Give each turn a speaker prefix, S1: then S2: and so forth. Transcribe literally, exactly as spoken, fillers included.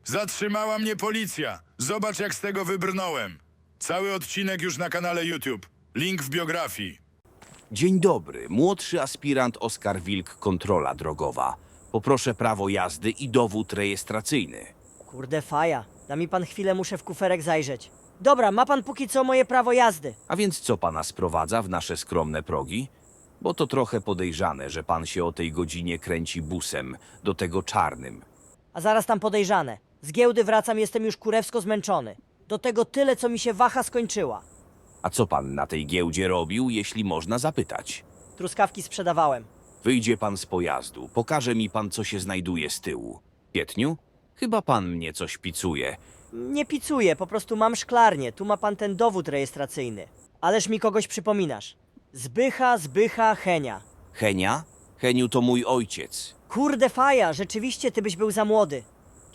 S1: Zatrzymała mnie policja. Zobacz, jak z tego wybrnąłem. Cały odcinek już na kanale YouTube. Link w biografii.
S2: Dzień dobry, młodszy aspirant Oskar Wilk, kontrola drogowa. Poproszę prawo jazdy i dowód rejestracyjny.
S3: Kurde faja, da mi pan chwilę, muszę w kuferek zajrzeć. Dobra, ma pan póki co moje prawo jazdy.
S2: A więc co pana sprowadza w nasze skromne progi? Bo to trochę podejrzane, że pan się o tej godzinie kręci busem, do tego czarnym.
S3: A zaraz tam podejrzane. Z giełdy wracam, jestem już kurewsko zmęczony. Do tego tyle, co mi się waha skończyła.
S2: A co pan na tej giełdzie robił, jeśli można zapytać?
S3: Truskawki sprzedawałem.
S2: Wyjdzie pan z pojazdu, pokaże mi pan, co się znajduje z tyłu. Pietniu? Chyba pan mnie coś picuje.
S3: Nie picuję, po prostu mam szklarnię. Tu ma pan ten dowód rejestracyjny. Ależ mi kogoś przypominasz. Zbycha, Zbycha, Henia.
S2: Henia? Heniu to mój ojciec.
S3: Kurde faja, rzeczywiście ty byś był za młody.